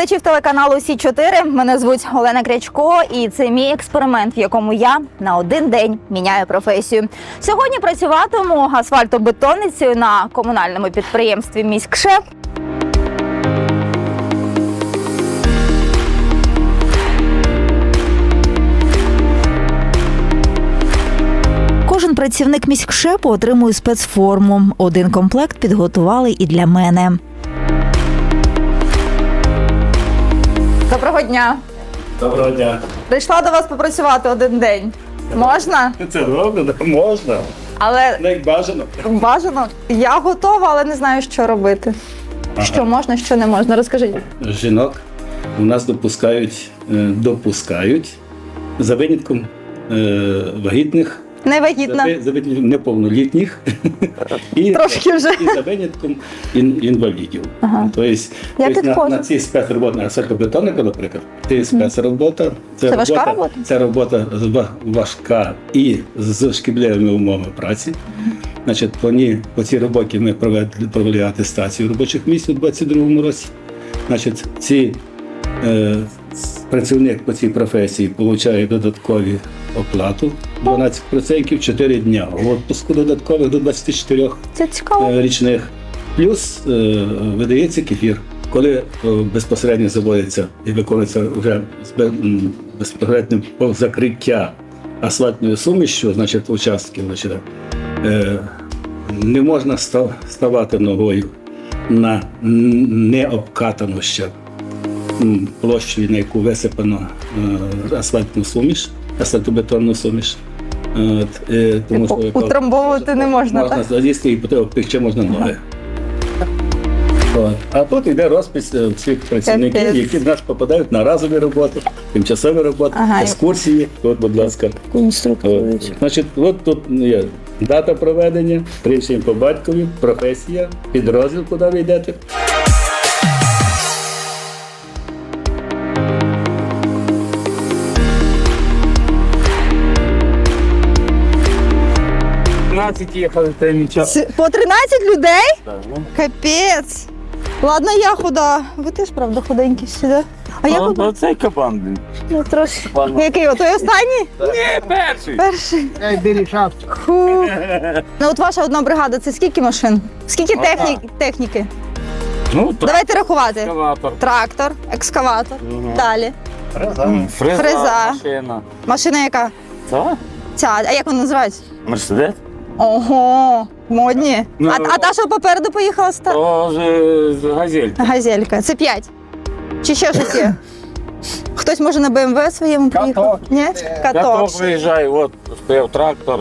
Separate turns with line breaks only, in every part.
глядачів телеканалу Сі-4. Мене звуть Олена Крячко, і це мій експеримент, в якому я на один день міняю професію. Сьогодні працюватиму асфальтобетонницею на комунальному підприємстві «Міськшеп». Кожен працівник міськшепу отримує спецформу. Один комплект підготували і для мене. Доброго дня.
Доброго дня.
Прийшла до вас попрацювати один день. Можна?
Це добре, можна.
Але
Не як бажано.
бажано. Я готова, але не знаю, що робити.
Ага.
Що можна, що не можна. Розкажіть.
Жінок у нас допускають за винятком вагітних,
Невагітна.
за винятком неповнолітніх і
Трошки вже.
за винятком інвалідів.
Ага.
Тобто,
підходжу.
на цій спецроботі, на асфальтобетонника, наприклад, це спецробота.
Це важка робота?
Це робота важка і з шкідливими умовами праці. Значить, по цій роботі ми провели атестацію робочих місць у 2022 році. Значить, працівник по цій професії отримує додаткові оплату 12% 4 дня. Відпуску додаткових до 24
Це цікаво.
річних. Плюс видається кефір. Коли безпосередньо заводиться і виконується вже безпосередньо закриття асфальтною сумішю, значить участків, не можна ставати ногою на необкатану ще площу, на яку висипано асфальтну суміш, асфальтобетонну суміш. Тому що
Утрамбовувати не можна,
можна
так?
залізти і ще можна ноги. А тут йде розпис всіх працівників, які в нас попадають на разові роботи, тимчасові роботи, екскурсії. От, будь ласка. Значить, от тут є дата проведення, прізвище по батькові, професія, підрозділ, куди ви йдете.
Їхали, це нічого.
По 13 людей?
Так,
Капець. Ладно, я худа. Ви теж, правда, худенькі сюди. А я худа?
Оцей кабан, блін.
Ну, трошки.
Ладно.
Який? Той останній?
Ні, перший.
Перший.
Ей, білі шапки.
Фу. Ну от ваша одна бригада, це скільки машин? Скільки техніки?
Ну,
Давайте рахувати.
екскаватор.
Трактор, екскаватор. Далі.
Фреза.
Фреза.
Машина.
Машина яка?
Це?
Ця. А як вона називається?
Мерседес?
Ого, модні.
Ну,
А та, що попереду поїхала,
Тоже газелька.
газелька. Це 5. Чи ще щось є? Хтось може на БМВ своєму поїхав?
Каток.
Ні?
Каток
Каток.
виїжджає, от стояв трактор.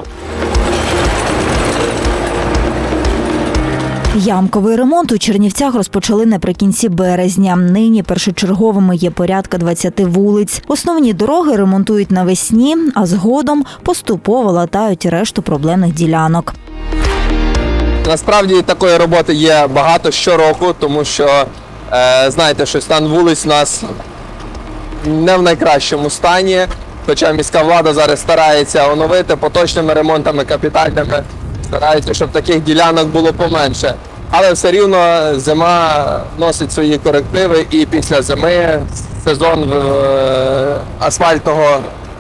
Ямковий ремонт у Чернівцях розпочали наприкінці березня. Нині першочерговими є порядка 20 вулиць. Основні дороги ремонтують навесні, а згодом поступово латають решту проблемних ділянок.
Насправді такої роботи є багато щороку, тому що, знаєте, що стан вулиць у нас не в найкращому стані. Хоча міська влада зараз старається оновити поточними ремонтами, капітальними, старається, щоб таких ділянок було поменше. Але все рівно зима носить свої корективи, і після зими сезон асфальтного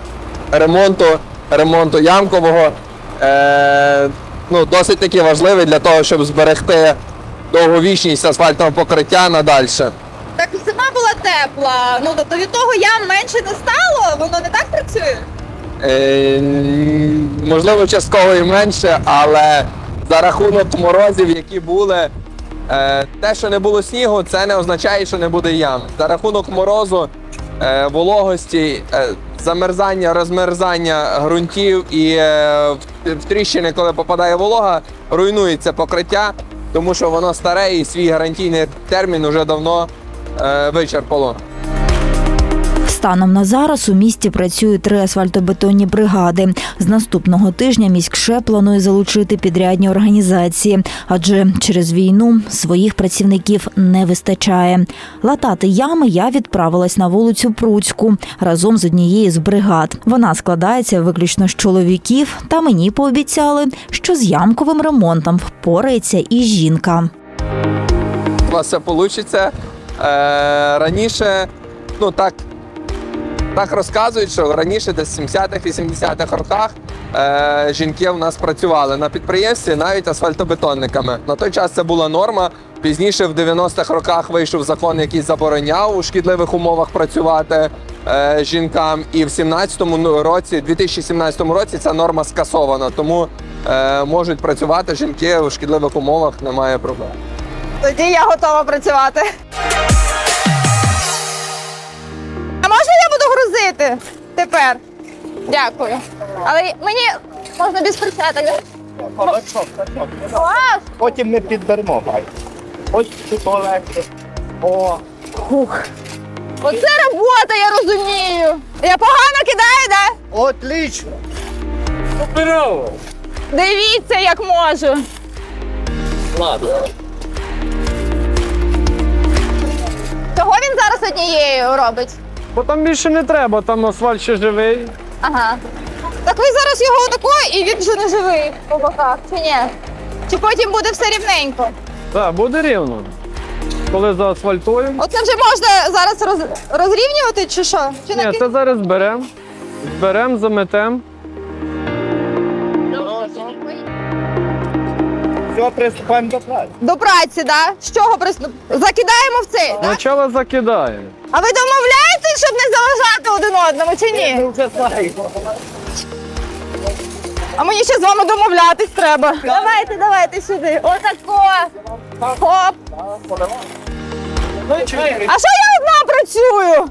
ремонту ямкового, досить таки важливий для того, щоб зберегти довговічність асфальтного покриття надальше.
Так зима була тепла. Ну, тобто від того ям менше не стало? Воно не так працює?
Можливо, частково і менше, але за рахунок морозів, які були, те, що не було снігу, це не означає, що не буде ям. За рахунок морозу, вологості, замерзання, розмерзання ґрунтів і в тріщини, коли попадає волога, руйнується покриття, тому що воно старе і свій гарантійний термін вже давно вичерпало.
Станом на зараз у місті працюють 3 асфальтобетонні бригади. З наступного тижня міськшеп планує залучити підрядні організації, адже через війну своїх працівників не вистачає. Латати ями я відправилась на вулицю Пруцьку разом з однією з бригад. Вона складається виключно з чоловіків, та мені пообіцяли, що з ямковим ремонтом впорається і жінка.
У вас все вийде. Раніше, ну так розказують, що раніше десь в 70-х, 80-х роках жінки у нас працювали на підприємстві навіть асфальтобетонниками. На той час це була норма. Пізніше в 90-х роках вийшов закон, який забороняв у шкідливих умовах працювати жінкам. І в 2017 році ця норма скасована. Тому можуть працювати жінки у шкідливих умовах, немає проблем.
Тоді я готова працювати. А можна я буду грузити тепер? Дякую. Але мені можна без перчаток. Клас!
Потім ми підберемо. Ось тут легше. О,
Оце робота, я розумію. Я погано кидаю, так?
отлично.
Суперово!
Дивіться, як можу.
Ладно.
Чого він зараз однією робить?
Бо там більше не треба, там асфальт ще живий.
Ага. Так ви зараз його отако, і він вже не живий по боках, чи ні? Чи потім буде все рівненько?
Так, буде рівно. Коли заасфальтуємо.
Оце вже можна зараз розрівнювати, чи що? Чи
Ні, це зараз зберемо. Зберемо, заметемо.
Все, приступаємо до праці.
До праці, да? З чого закидаємо в цей, так?
Спочатку закидаємо.
А ви домовляєтесь, щоб не заважати один одному, чи ні?
Ми вже знаємо.
А мені ще з вами домовлятись треба. Давайте сюди. Отако. Хоп. А що я одна працюю?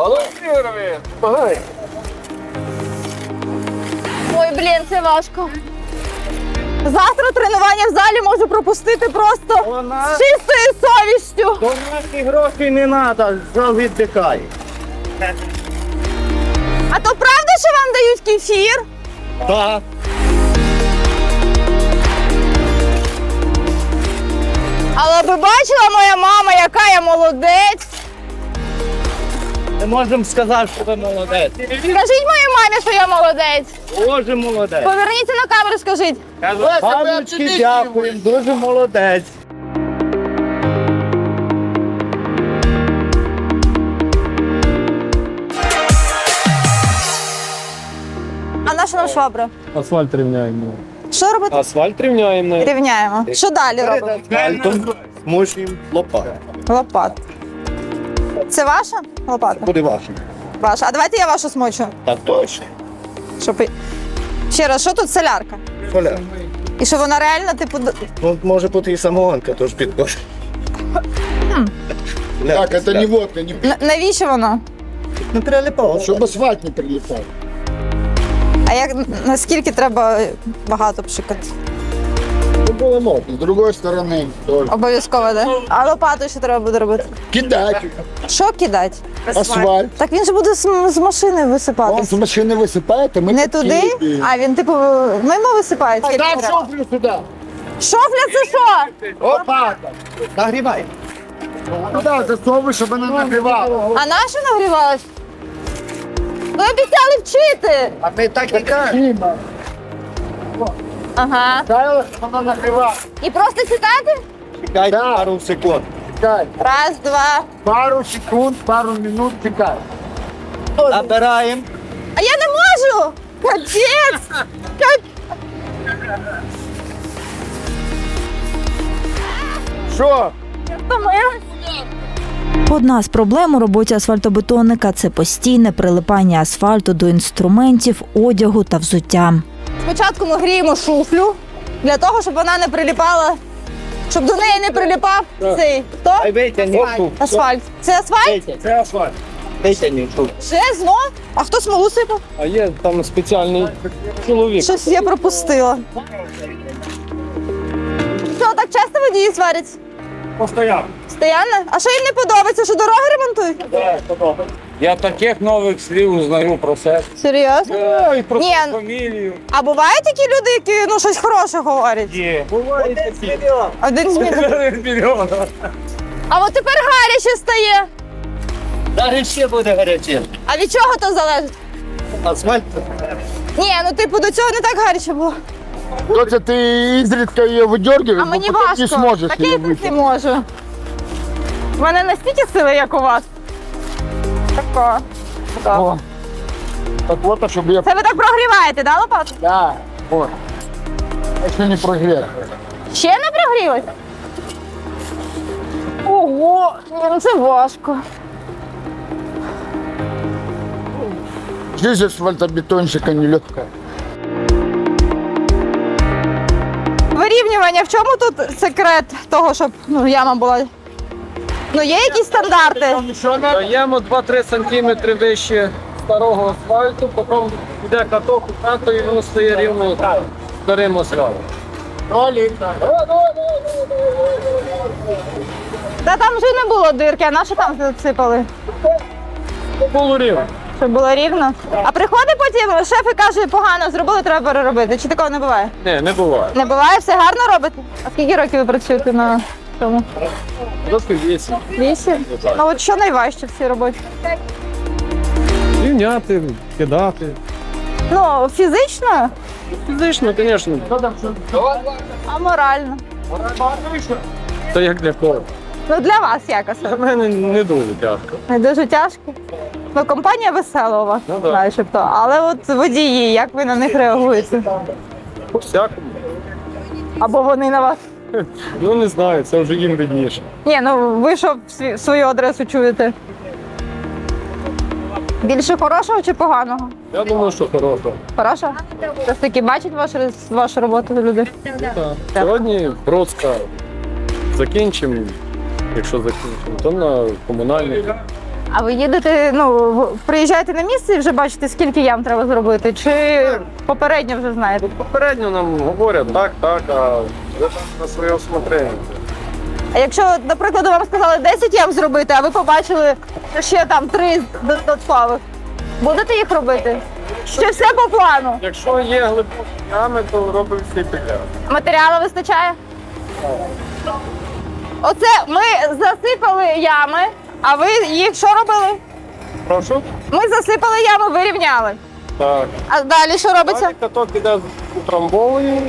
Ой, блін, це важко. Завтра тренування в залі можу пропустити просто з чистою совістю.
До наших грошей не треба, зал віддихає.
А то правда, що вам дають кефір?
Так.
Але ви бачила, моя мама, яка я молодець.
Не можемо сказати, що ви молодець.
Скажіть моїй мамі, що я молодець.
Дуже молодець.
Поверніться на камеру, скажіть.
Паночки, дякуємо, дуже молодець.
А наша нам швабра?
Асфальт рівняємо.
Що робити?
Асфальт рівняємо.
Рівняємо. Що далі робимо?
Асфальтом змушуємо лопату.
Лопат. Це ваша лопата?
Буде вашим.
Ваша. А давайте я вашу смочу.
Так точно.
Щоб... Ще раз, що тут солярка?
Коля,
І що вона реально, типу,
ну може бути і самогонка, тож підкош.
Так, это не водка, не
навіщо воно?
Не прилипало.
чтобы асфальт не прилипал.
А як наскільки треба багато пшикати?
Ну, было можно. С другой стороны тоже.
Обов'язково, так? Да? А лопатою що треба буде робити?
Кидать
Що кидати?
асфальт.
Так він же буде з машини
Он
висипати.
с машины высыпает, а мы
Не туди,
кидаем.
а він типу мимо висипає. скільки
Да,
треба.
шофлю сюда.
Шофля це що?
Опа! Нагрівай.
Куда засовывай, чтобы она нагревала.
А наша нагрівалась? Ви обіцяли вчити.
А ми так і кажемо.
Ага.
Ставила, чтобы она нагревала.
І просто читати?
Чекай пару секунд.
Чекай.
Раз, два.
Пару секунд, пару минут чекай.
Набираємо.
А я не можу! Капець!
Что?
Втомилась.
Одна з проблем у роботі асфальтобетонника – це постійне прилипання асфальту до інструментів, одягу та взуття.
Спочатку ми гріємо шуфлю для того, щоб вона не приліпала, щоб до неї не приліпав цей хто?
Ай, витягни.
Асфальт. Це асфальт?
Це асфальт.
Витягни тут.
Ще знов? А хто смолу сипав?
А є там спеціальний чоловік.
Щось я пропустила. Що, так часто водії сварять?
Постоянно.
Стоянно? А що їм не подобається, що дороги ремонтують?
Я таких нових слів узнаю про себе.
Серйозно?
І про
Ні.
фамілію.
А бувають такі люди, які щось хороше говорять?
Є.
Один з мільйонів.
Мільйон.
А от тепер гаряче стає.
Зараз ще буде гаряче.
А від чого то залежить?
Асфальт.
Ні, ну типу до цього не так гаряче було.
Доця, ты изредка ее выдергиваешь,
А
но
мені
потом
важко.
не сможешь
Так
ее
я так не
вытянуть.
можу. У мене настільки сили, як у вас. Тако.
О. Так вот, чтобы я...
Це ви так прогріваєте, да, лопату?
Да, вот. Еще не прогрел.
Ще не прогрілось? Ого, ну це важко.
Жизнь асфальтобетонщика нелегкая.
Вирівнювання, в чому тут секрет того, щоб яма була? Ну, є якісь стандарти?
Даємо 2-3 см вище старого асфальту, потім йде каток у хату і воно стає рівно старим асфальтом.
Та там вже не було дирки, а на що там засипали?
Було рівно.
Щоб було рівно. А приходить потім шеф і каже, погано зробили, треба переробити. Чи такого не буває?
Ні, не буває.
Не буває, все гарно робите? А скільки років ви працюєте на цьому?
Років 8.
8? Ну от що найважче в цій роботі?
Рівняти, кидати.
Ну, фізично,
Фізично, звісно.
а морально.
Це як для кого.
Ну для вас якось.
Для мене не дуже тяжко.
Не дуже тяжко. Ну, компанія весела у вас,
Ну, да.
начебто. Але от водії, як ви на них реагуєте?
По-всякому.
Або вони на вас?
Ну не знаю, це вже їм видніше.
Ні, ну ви що свою адресу чуєте? Більше хорошого чи поганого?
Я думаю, що хорошо.
Хорошого? Все ж таки бачать вашу роботу люди?
Так. Сьогодні Бродська закінчимо, якщо закінчимо, то на комунальний.
А ви їдете, приїжджаєте на місце і вже бачите, скільки ям треба зробити? Чи попередньо вже знаєте?
Попередньо нам говорять так, а ви там на своє усмотрення.
А якщо, наприклад, вам сказали 10 ям зробити, а ви побачили ще там 3 додаткових, будете їх робити? Чи все по плану?
Якщо є глибокі ями, то робимо всі підряд.
Матеріалу вистачає? Оце ми засипали ями, а ви їх що робили?
Прошу?
Ми засипали ями, вирівняли.
Так.
А далі що робиться?
Далі каток іде утрамбовуємо.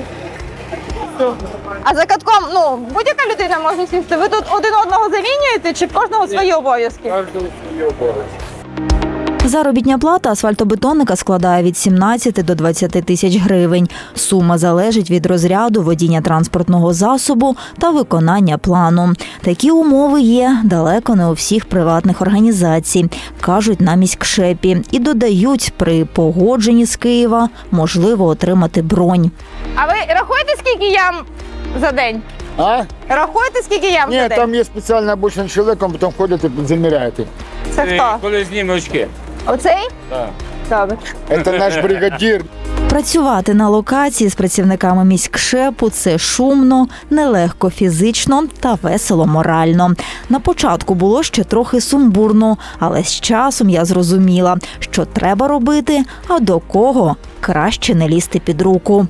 А за катком, будь-яка людина може сісти. Ви тут один одного замінюєте чи в кожного свої обов'язки?
Кожен свій обов'язок.
Заробітня плата асфальтобетонника складає від 17 до 20 тисяч гривень. Сума залежить від розряду водіння транспортного засобу та виконання плану. Такі умови є далеко не у всіх приватних організацій, кажуть на міськшепі. І додають, при погодженні з Києва можливо отримати бронь.
А ви рахуєте, скільки ям за день?
А?
Рахуєте, скільки ям за
Нет,
день?
там есть специально обученный человек, он потом ходит и замеряет их.
Це хто?
Коли зніме очки.
Оцей?
Так.
Добре.
Это наш бригадир.
Працювати на локації з працівниками міськшепу – це шумно, нелегко фізично та весело морально. На початку було ще трохи сумбурно, але з часом я зрозуміла, що треба робити, а до кого краще не лізти під руку.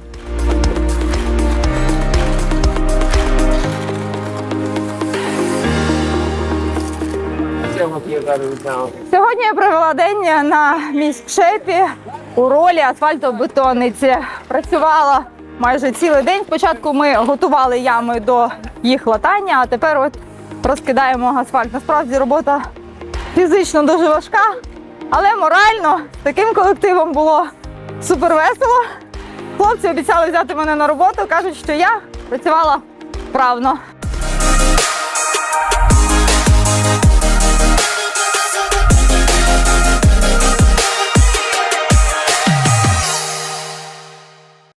Сьогодні я провела день на міськшепі у ролі асфальтобетонниці. Працювала майже цілий день. Спочатку ми готували ями до їх латання, а тепер от розкидаємо асфальт. Насправді робота фізично дуже важка, але морально з таким колективом було супер весело. Хлопці обіцяли взяти мене на роботу, кажуть, що я працювала вправно.